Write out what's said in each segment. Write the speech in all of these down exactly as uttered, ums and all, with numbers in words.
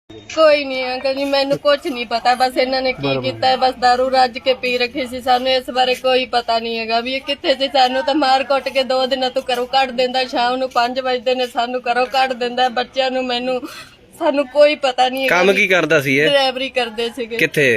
ਕੋਈ ਨਹੀਂ ਅੰਕਲ ਜੀ, ਮੈਨੂੰ ਕੁਝ ਨਹੀਂ ਪਤਾ। ਬਸ ਇਹਨਾਂ ਨੇ ਕੀ ਕੀਤਾ ਹੈ, ਬਸ ਦਾਰੂ ਰੱਜ ਕੇ ਪੀ ਰੱਖੀ ਸੀ। ਸਾਨੂੰ ਇਸ ਬਾਰੇ ਕੋਈ ਪਤਾ ਨਹੀਂ ਹੈਗਾ ਵੀ ਇਹ ਕਿੱਥੇ ਸੀ। ਸਾਨੂੰ ਤਾਂ ਮਾਰ ਕੁੱਟ ਕੇ ਦੋ ਦਿਨਾਂ ਤੋਂ ਘਰੋਂ ਕੱਢ ਦਿੰਦਾ। ਸ਼ਾਮ ਨੂੰ ਪੰਜ ਵਜੇ ਨੇ ਸਾਨੂੰ ਘਰੋਂ ਕੱਢ ਦਿੰਦਾ। ਬੱਚਿਆਂ ਨੂੰ ਮੈਨੂੰ ਸਾਨੂੰ ਕੋਈ ਪਤਾ ਨਹੀਂ। ਕੰਮ ਕੀ ਕਰਦਾ ਸੀ ਇਹ? ਡਰਾਈਵਰੀ ਕਰਦੇ ਸੀਗੇ। ਕਿੱਥੇ?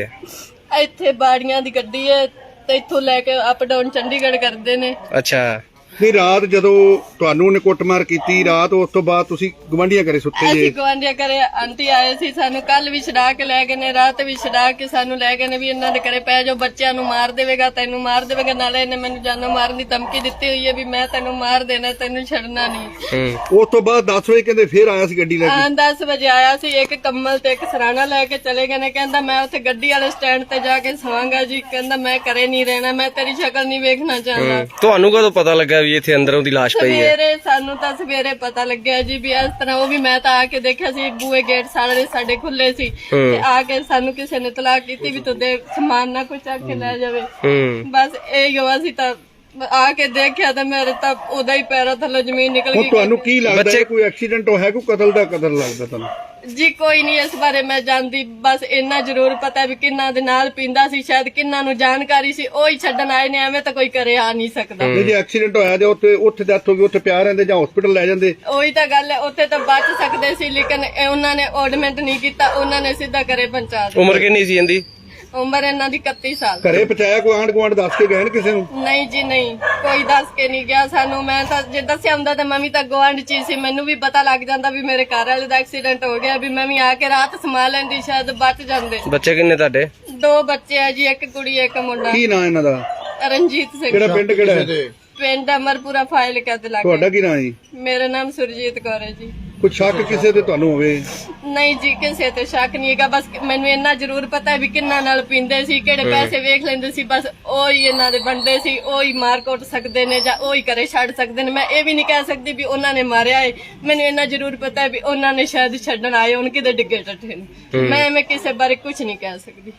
ਇੱਥੇ ਬਾੜੀਆਂ ਦੀ ਗੱਡੀ ਹੈ ਤੇ ਇੱਥੋਂ ਲੈ ਕੇ ਅਪ ਡਾਊਨ ਚੰਡੀਗੜ੍ਹ ਕਰਦੇ ਨੇ। ਅੱਛਾ। ਨਹੀਂ, ਰਾਤ ਜਦੋਂ ਤੁਹਾਨੂੰ ਉਹਨੇ ਕੁੱਟਮਾਰ ਕੀਤੀ, ਰਾਤ ਉਸ ਤੋਂ ਬਾਅਦ ਤੁਸੀਂ ਗਵਾਂਢੀਆਂ ਘਰੇ ਸੁੱਤੇ ਜੇ? ਅਸੀਂ ਗਵਾਂਢੀਆਂ ਘਰੇ ਆਂਟੀ ਆਏ ਸੀ, ਸਾਨੂੰ ਕੱਲ ਵੀ ਛਡਾ ਕੇ ਲੈ ਗਏ ਨੇ, ਰਾਤ ਵੀ ਛਡਾ ਕੇ ਸਾਨੂੰ ਲੈ ਗਏ ਨੇ ਵੀ ਇਹਨਾਂ ਦੇ ਘਰੇ ਪੈ ਜਾਓ, ਬੱਚਿਆਂ ਨੂੰ ਮਾਰ ਦੇਵੇਗਾ, ਤੈਨੂੰ ਮਾਰ ਦੇਵੇਗਾ। ਨਾਲੇ ਇਹਨੇ ਮੈਨੂੰ ਜਾਨੋਂ ਮਾਰਨ ਦੀ ਧਮਕੀ ਦਿੱਤੀ ਹੋਈ ਹੈ ਵੀ ਮੈਂ ਤੈਨੂੰ ਮਾਰ ਦੇਣਾ, ਤੈਨੂੰ ਛੱਡਣਾ ਨਹੀਂ। ਉਸ ਤੋਂ ਬਾਅਦ ਦਸ ਵਜੇ ਕਹਿੰਦੇ ਫੇਰ ਆਇਆ ਸੀ ਗੱਡੀ ਲੈ ਕੇ? ਹਾਂ, ਦਸ ਵਜੇ ਆਇਆ ਸੀ। ਇੱਕ ਕੰਮਲ ਤੇ ਇੱਕ ਸਰਾਣਾ ਲੈ ਕੇ ਚਲੇ ਗਏ ਨੇ। ਕਹਿੰਦਾ ਮੈਂ ਉੱਥੇ ਗੱਡੀ ਵਾਲੇ ਸਟੈਂਡ ਤੇ ਜਾ ਕੇ ਸਵਾਂਗਾ ਜੀ। ਕਹਿੰਦਾ ਮੈਂ ਘਰੇ ਨਹੀਂ ਰਹਿਣਾ, ਮੈਂ ਤੇਰੀ ਸ਼ਕਲ ਨਹੀਂ ਵੇਖਣਾ ਚਾਹੁੰਦਾ। ਤੁਹਾਨੂੰ ਕਦੋਂ ਪਤਾ ਲੱਗਾ ਵੀ ਇੱਥੇ ਅੰਦਰ ਉਹਦੀ ਲਾਸ਼ ਪਈ ਹੈ? ਸਵੇਰੇ ਸਾਨੂੰ ਤਾਂ ਸਵੇਰੇ ਪਤਾ ਲੱਗਿਆ ਜੀ ਵੀ ਇਸ ਤਰ੍ਹਾਂ। ਉਹ ਵੀ ਮੈਂ ਤਾਂ ਆ ਕੇ ਦੇਖਿਆ ਸੀ, ਬੂਹੇ ਗੇਟ ਸਾਰੇ ਸਾਡੇ ਖੁੱਲੇ ਸੀ ਤੇ ਆ ਕੇ ਸਾਨੂੰ ਕਿਸੇ ਨੇ ਤਲਾਹ ਕੀਤੀ ਵੀ ਤੂੰ ਦੇ ਸਮਾਨ ਨਾ ਕੋਈ ਚੱਕ ਕੇ ਲੈ ਜਾਵੇ। ਬਸ ਇਹ ਗਵਾ ਸੀ। ਤਾਂ ਆ ਕੇ ਦੇਖਿਆ ਤਾਂ ਮੇਰੇ ਤਾਂ ਉਹਦਾ ਹੀ ਪੈਰਾਂ ਥੱਲੇ ਜ਼ਮੀਨ ਨਿਕਲ ਹੁਣ ਗਈ। ਤੁਹਾਨੂੰ ਕੀ ਲੱਗਦਾ ਹੈ, ਕੋਈ ਐਕਸੀਡੈਂਟ ਹੋਇਆ, ਕੋਈ ਕਤਲ ਦਾ ਕਤਲ ਲੱਗਦਾ ਤੁਹਾਨੂੰ? ਜੀ ਕੋਈ ਨਹੀਂ, ਇਸ ਬਾਰੇ ਮੈਂ ਜਾਣਦੀ। ਬਸ ਇੰਨਾ ਜ਼ਰੂਰ ਪਤਾ ਵੀ ਕਿੰਨਾ ਦੇ ਨਾਲ ਪੀਂਦਾ ਸੀ, ਸ਼ਾਇਦ ਕਿੰਨਾ ਨੂੰ ਜਾਣਕਾਰੀ ਸੀ, ਉਹ ਹੀ ਛੱਡਣ ਆਏ ਨੇ। ਐਵੇਂ ਤਾਂ ਕੋਈ ਕਰੇ ਆ ਨਹੀਂ ਸਕਦਾ। ਜੇ ਐਕਸੀਡੈਂਟ ਹੋਇਆ ਤੇ ਉੱਥੇ ਉੱਥੇ ਡੈਥ ਹੋ ਗਈ, ਉੱਥੇ ਪਿਆ ਰਹਿੰਦੇ ਜਾਂ ਹਸਪੀਟਲ ਲੈ ਜਾਂਦੇ? ਉਹੀ ਤਾਂ ਗੱਲ ਹੈ, ਉੱਥੇ ਤਾਂ ਬਚ ਸਕਦੇ ਸੀ, ਲੇਕਿਨ ਇਹ ਉਹਨਾਂ ਨੇ ਆਰਡਮੈਂਟ ਨਹੀਂ ਕੀਤਾ। ਉਹਨਾਂ ਨੇ ਸਿੱਧਾ ਘਰੇ ਪਹੁੰਚਾ ਦਿੱਤਾ। ਉਮਰ ਕਿੰਨੀ ਸੀ ਇਹਦੀ? ਉਮਰ ਇਹਨਾਂ ਦੀ ਇਕੱਤੀ ਸਾਲ। ਘਰੇ ਪਹੁੰਚਾਇਆ? ਕੋਈ ਆਂਢ ਗੁਆਂਢ ਦੱਸ ਕੇ ਗਏ ਨੇ ਕਿਸੇ ਨੂੰ? ਨਹੀਂ ਜੀ ਨਹੀਂ, ਕੋਈ ਦੱਸ ਕੇ ਨਹੀਂ ਗਿਆ ਸਾਨੂੰ। ਮੈਂ ਤਾਂ ਜੇ ਦੱਸਿਆ ਹੁੰਦਾ ਤਾਂ ਮੈਂ ਵੀ ਤਾਂ ਗੁਆਂਢ ਚ ਹੀ ਸੀ, ਮੈਨੂੰ ਵੀ ਪਤਾ ਲੱਗ ਜਾਂਦਾ ਵੀ ਮੇਰੇ ਘਰ ਵਾਲੇ ਦਾ ਐਕਸੀਡੈਂਟ ਹੋ ਗਿਆ, ਵੀ ਮੈਂ ਵੀ ਆ ਕੇ ਰਾਤ ਸਮਾ ਲੈਂਦੀ, ਸ਼ਾਇਦ ਬਚ ਜਾਂਦੇ। ਬੱਚੇ ਕਿੰਨੇ ਤੁਹਾਡੇ? ਦੋ ਬੱਚੇ ਆ ਜੀ, ਇੱਕ ਕੁੜੀ ਇੱਕ ਮੁੰਡਾ। ਕੀ ਨਾਂ ਇਹਨਾਂ ਦਾ? ਰਣਜੀਤ ਸਿੰਘ। ਕਿਹੜਾ ਪਿੰਡ ਕਿਹੜਾ ਹੈ? ਪਿੰਡ ਅਮਰਪੁਰਾ ਫਾਈਲ ਕਦ ਲੱਗ। ਤੁਹਾਡਾ ਕੀ ਨਾਂ ਜੀ? ਮੇਰਾ ਨਾਮ ਸੁਰਜੀਤ ਕੌਰ ਹੈ ਜੀ। ਕੋਈ ਸ਼ੱਕ ਕਿਸੇ ਤੇ ਤੁਹਾਨੂੰ ਹੋਵੇ? ਨਹੀਂ ਜੀ, ਕਿਸੇ ਤੇ ਸ਼ੱਕ ਨਹੀਂ ਹੈਗਾ। ਬਸ ਮੈਨੂੰ ਇੰਨਾ ਜ਼ਰੂਰ ਪਤਾ ਵੀ ਕਿੰਨਾ ਨਾਲ ਪੀਂਦੇ ਸੀ, ਕਿਹੜੇ ਪੈਸੇ ਵੇਖ ਲੈਂਦੇ ਸੀ। ਬਸ ਉਹ ਹੀ ਇਹਨਾਂ ਦੇ ਬੰਦੇ ਸੀ, ਉਹ ਹੀ ਮਾਰ ਕੁੱਟ ਸਕਦੇ ਨੇ ਜਾਂ ਉਹ ਹੀ ਘਰੇ ਛੱਡ ਸਕਦੇ ਨੇ। ਮੈਂ ਇਹ ਵੀ ਨਹੀਂ ਕਹਿ ਸਕਦੀ ਵੀ ਉਹਨਾਂ ਨੇ ਮਾਰਿਆ ਹੈ। ਮੈਨੂੰ ਇੰਨਾ ਜ਼ਰੂਰ ਪਤਾ ਵੀ ਉਹਨਾਂ ਨੇ ਸ਼ਾਇਦ ਛੱਡਣ ਆਏ ਹੋਣ, ਕਿਤੇ ਡਿੱਗੇ ਟੱਠੇ ਨੇ। ਮੈਂ ਐਵੇਂ ਕਿਸੇ ਬਾਰੇ ਕੁਝ ਨਹੀਂ ਕਹਿ ਸਕਦੀ।